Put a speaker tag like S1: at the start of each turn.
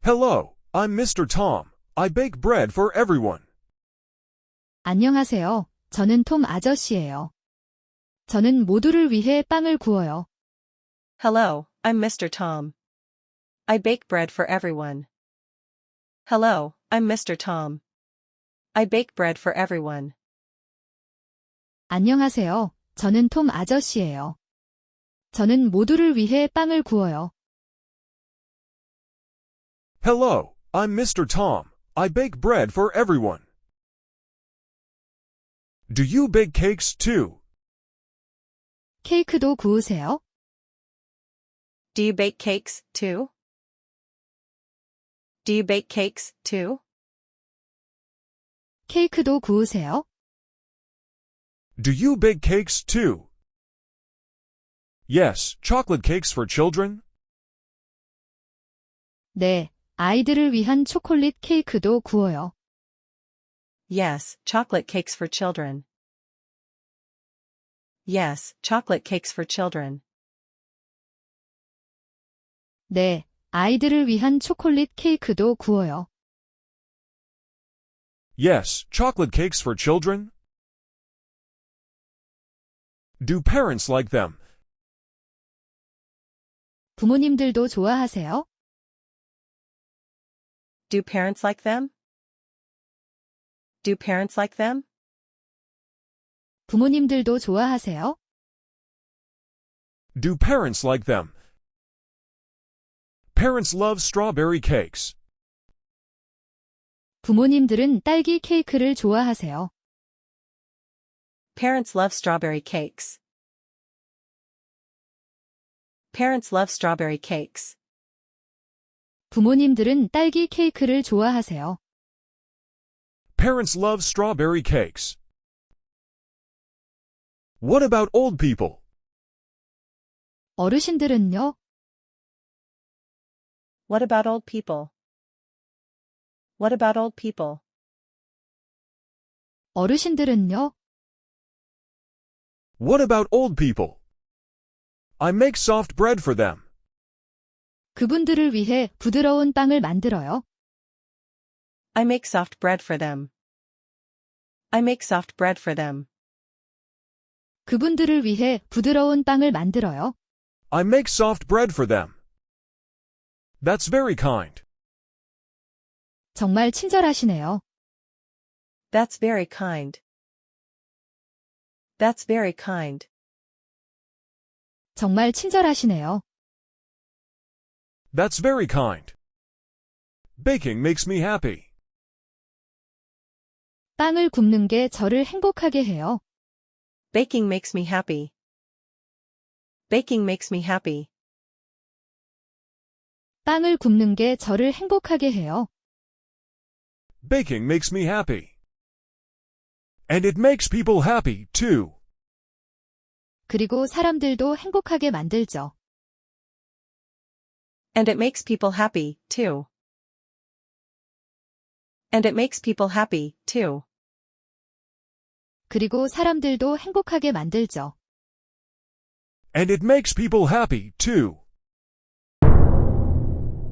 S1: Hello, I'm Mr. Tom. I bake bread for everyone.
S2: 안녕하세요. 저는 톰 아저씨예요. 저는 모두를 위해 빵을 구워요.
S3: Hello, I'm Mr. Tom. I bake bread for everyone. Hello, I'm Mr. Tom. I bake bread for everyone.
S2: 안녕하세요. 저는 톰 아저씨예요. 저는 모두를 위해 빵을 구워요.
S1: Hello, I'm Mr. Tom. I bake bread for everyone. Do you bake cakes too?
S2: 케이크도 구우세요?
S3: Do you bake cakes too? Do you bake cakes too?
S2: 케이크도 구우세요?
S1: Do you bake cakes too? Yes, chocolate cakes for children.
S2: 네, 아이들을 위한 초콜릿 케이크도 구워요.
S3: Yes, chocolate cakes for children. Yes, chocolate cakes for children.
S2: 네, 아이들을 위한 초콜릿 케이크도 구워요.
S1: Yes, chocolate cakes for children. Do parents like them?
S2: 부모님들도 좋아하세요?
S3: Do parents like them? Do parents like them?
S2: 부모님들도 좋아하세요?
S1: Do parents like them? Parents love strawberry cakes.
S2: 부모님들은 딸기 케이크를 좋아하세요.
S3: Parents love strawberry cakes. Parents love strawberry cakes.
S2: 부모님들은 딸기 케이크를 좋아하세요.
S1: Parents love strawberry cakes. What about old people?
S2: 어르신들은요?
S3: What about old people? What about old people?
S2: 어르신들은요?
S1: What about old people? I make soft bread for them.
S2: 그분들을 위해 부드러운 빵을 만들어요.
S3: I make soft bread for them. I make soft bread for them.
S2: 그분들을 위해 부드러운 빵을 만들어요.
S1: I make soft bread for them. That's very kind.
S2: 정말 친절하시네요.
S3: That's very kind. That's very kind.
S2: 정말 친절하시네요.
S1: That's very kind. Baking makes me happy.
S2: 빵을 굽는 게 저를 행복하게 해요.
S3: Baking makes me happy. Baking makes me happy.
S2: 빵을 굽는 게 저를 행복하게 해요.
S1: Baking makes me happy. And it makes people happy, too.
S2: 그리고 사람들도 행복하게 만들죠.
S3: And it makes people happy, too. And it makes people happy, too.
S2: 그리고 사람들도 행복하게 만들죠.
S1: And it makes people happy, too.